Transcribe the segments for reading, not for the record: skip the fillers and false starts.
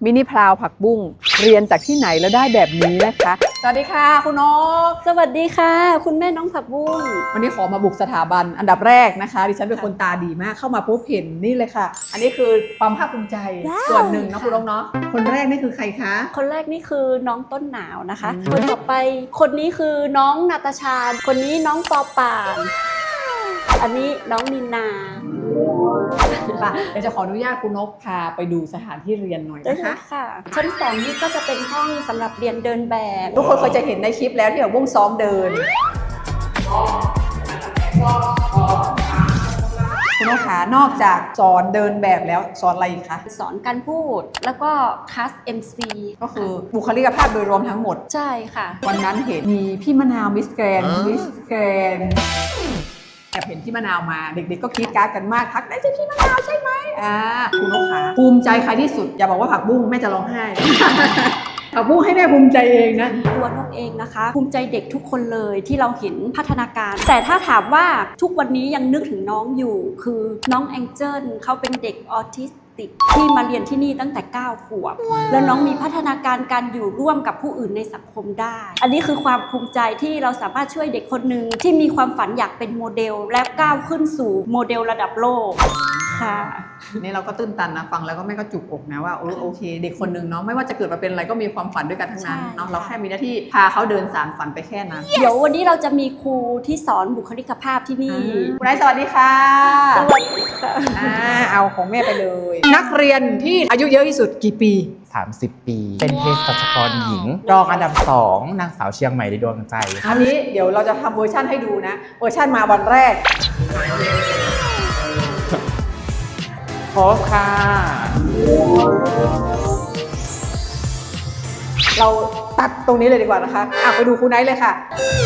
มินิพราวผักบุ้งเรียนจากที่ไหนแล้วได้แบบนี้นะคะสวัสดีค่ะคุณนกสวัสดีค่ะคุณแม่น้องผักบุ้งวันนี้ขอมาบุกสถาบันอันดับแรกนะคะดิฉันเป็นคนตาดีมากเข้ามาปุ๊บเห็นนี่เลยค่ะอันนี้คือความภาคภูมิใจส่วนหนึ่งนะคุณนกเนาะคนแรกนี่คือใครคะคนแรกนี่คือน้องต้นหนาวนะคะคนต่อไปคนนี้คือน้องนาตาชาคนนี้น้องปอป่านอันนี้น้องนินนาเดี๋ยวจะขออนุญาตคุณนกพาไปดูสถานที่เรียนหน่อยนะคะค่ะชั้น2นี่ก็จะเป็นห้องสำหรับเรียนเดินแบบทุกคนเคยจะเห็นในคลิปแล้วที่แบบบุ้งซ้อมเดินคุณนกขานอกจากสอนเดินแบบแล้วสอนอะไรอีกคะสอนการพูดแล้วก็คัส MC ก็คือบุคลิกภาพโดยรวมทั้งหมดใช่ค่ะวันนั้นเห็นมีพี่มะนาวมิสแกรนแอบเห็นพี่มะนาวมาเด็กๆก็คิดการ์ดกันมากทักได้ใช่พี่มะนาวใช่ไหมคุณนกขาภูมิใจใครที่สุดอย่าบอกว่าผักบุ้งแม่จะร้องไห้ ผักบุ้งให้แม่ภูมิใจเองนะตัวนกเองนะคะภูมิใจเด็กทุกคนเลยที่เราเห็นพัฒนาการแต่ถ้าถามว่าทุกวันนี้ยังนึกถึงน้องอยู่คือน้องแองเจิลเขาเป็นเด็กออทิสติกที่มาเรียนที่นี่ตั้งแต่9 ขวบแล้วน้องมีพัฒนาการการอยู่ร่วมกับผู้อื่นในสังคมได้อันนี้คือความภูมิใจที่เราสามารถช่วยเด็กคนหนึ่งที่มีความฝันอยากเป็นโมเดลและก้าวขึ้นสู่โมเดลระดับโลกค่ะนี่เราก็ตื้นตันนะฟังแล้วก็แม่ก็จุกอกนะว่าโอเคเด็กคนหนึ่งเนาะไม่ว่าจะเกิดมาเป็นอะไรก็มีความฝันด้วยกันทั้งนั้นเนาะเราแค่มีหน้าที่พาเขาเดินสารฝันไปแค่นั้นเดี๋ยววันนี้เราจะมีครูที่สอนบุคลิกภาพที่นี่คุณนายสวัสดีค่ะสวัสดีค่ะเอาของแม่ไปเลยนักเรียนที่อายุเยอะที่สุดกี่ปี 30 ปีเป็นเภสัชกรหญิงรองอันดับ2นางสาวเชียงใหม่ในดวงใจอันนี้เดี๋ยวเราจะทำเวอร์ชั่นให้ดูนะเวอร์ชั่นมาวันแรกโพสค่ะเราตัดตรงนี้เลยดีกว่านะคะไปดูคุณไนท์เลยค่ะ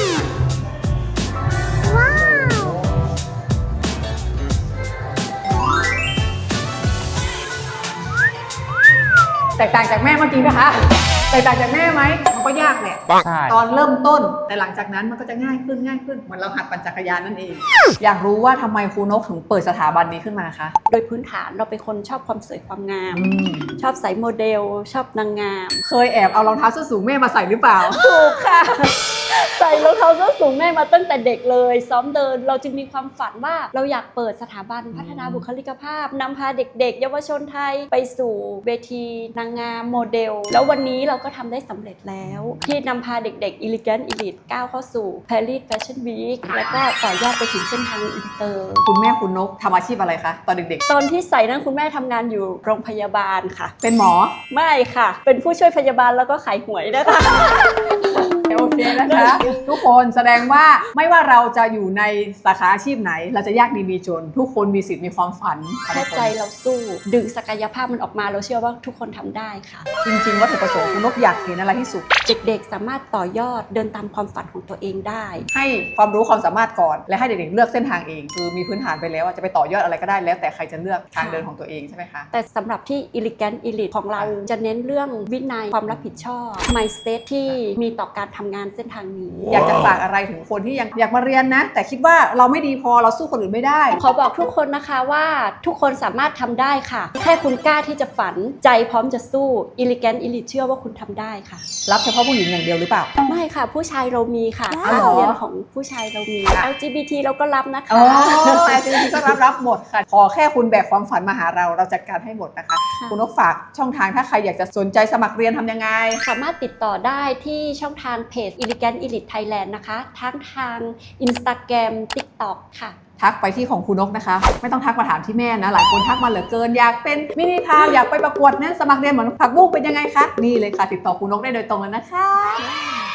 แตกต่างจากแม่เมื่อกี้นะคะแตกต่างจากแม่ไหมมันก็ยากแหละตอนเริ่มต้นแต่หลังจากนั้นมันก็จะง่ายขึ้นเหมือนเราหัดปั่นจักรยานนั่นเองอยากรู้ว่าทำไมครูนกถึงเปิดสถาบันนี้ขึ้นมาคะโดยพื้นฐานเราเป็นคนชอบความสวยความงามชอบใส่โมเดลชอบนางงามเคยแอบเอารองเท้าส้นสูงแม่มาใส่หรือเปล่าถูกค่ะใส่รองเท้าส้นสูงแม่มาตั้งแต่เด็กเลยซ้อมเดินเราจึงมีความฝันว่าเราอยากเปิดสถาบันพัฒนาบุคลิกภาพนำพาเด็กๆเยาวชนไทยไปสู่เวทีนางงามโมเดลแล้ววันนี้เราก็ทำได้สำเร็จแล้วที่นำพาเด็กๆ Elegant Elite ก้าวเข้าสู่ Paris Fashion Week แล้วก็ต่อยอดไปถึงเส้นทางอินเตอร์คุณแม่คุณนกทำอาชีพอะไรคะตอนเด็กๆตอนที่ใส่นั้นคุณแม่ทำงานอยู่โรงพยาบาลค่ะเป็นหมอไม่ค่ะเป็นผู้ช่วยพยาบาลแล้วก็ขายหวยนะคะโอเคนะคะทุกคนแสดงว่าไม่ว่าเราจะอยู่ในสาขาอาชีพไหนเราจะยากดีมีจนทุกคนมีสิทธิ์มีความฝันแค่ใจเราสู้ดึงศักยภาพมันออกมาเราเชื่อว่าทุกคนทำได้ค่ะจริงๆวัตถุประสงค์คุณนกอยากเห็นอะไรที่สุดเด็กๆสามารถต่อยอดเดินตามความฝันของตัวเองได้ให้ความรู้ความสามารถก่อนและให้เด็กๆเลือกเส้นทางเองคือมีพื้นฐานไปแล้วจะไปต่อยอดอะไรก็ได้แล้วแต่ใครจะเลือกทางเดินของตัวเองใช่ไหมคะแต่สำหรับที่ Elegant Elite ของเราจะเน้นเรื่องวินัยความรับผิดชอบ mindset ที่มีต่อการทำงานเส้นทางนี้อยากจะฝากอะไรถึงคนที่ยังอยากมาเรียนนะแต่คิดว่าเราไม่ดีพอเราสู้คนอื่นไม่ได้ขอบอกทุกคนนะคะว่าทุกคนสามารถทำได้ค่ะแค่คุณกล้าที่จะฝันใจพร้อมจะสู้ Elegant Elite เชื่อว่าคุณทำได้ค่ะรับเฉพาะผู้หญิงอย่างเดียวหรือเปล่าไม่ค่ะผู้ชายเรามีค่ะการเรียนของผู้ชายเรามี LGBT เราก็รับนะคะ LGBT ก็รับหมดค่ะขอแค่คุณแบกความฝันมาหาเราจัดการให้หมดนะคะคุณนกฝากช่องทางถ้าใครอยากจะสนใจสมัครเรียนทำยังไงสามารถติดต่อได้ที่ช่องทางเพจ Elegant Elite Thailand นะคะทั้งทาง Instagram TikTok ค่ะทักไปที่ของคุณนกนะคะไม่ต้องทักมาถามที่แม่นะหลายคนทักมาเหลือเกินอยากเป็นมินิพราวอยากไปประกวดนั้นสมัครเรียนเหมือนผักบุ้งเป็นยังไงคะนี่เลยค่ะติดต่อคุณนกได้โดยตรงเลยนะคะ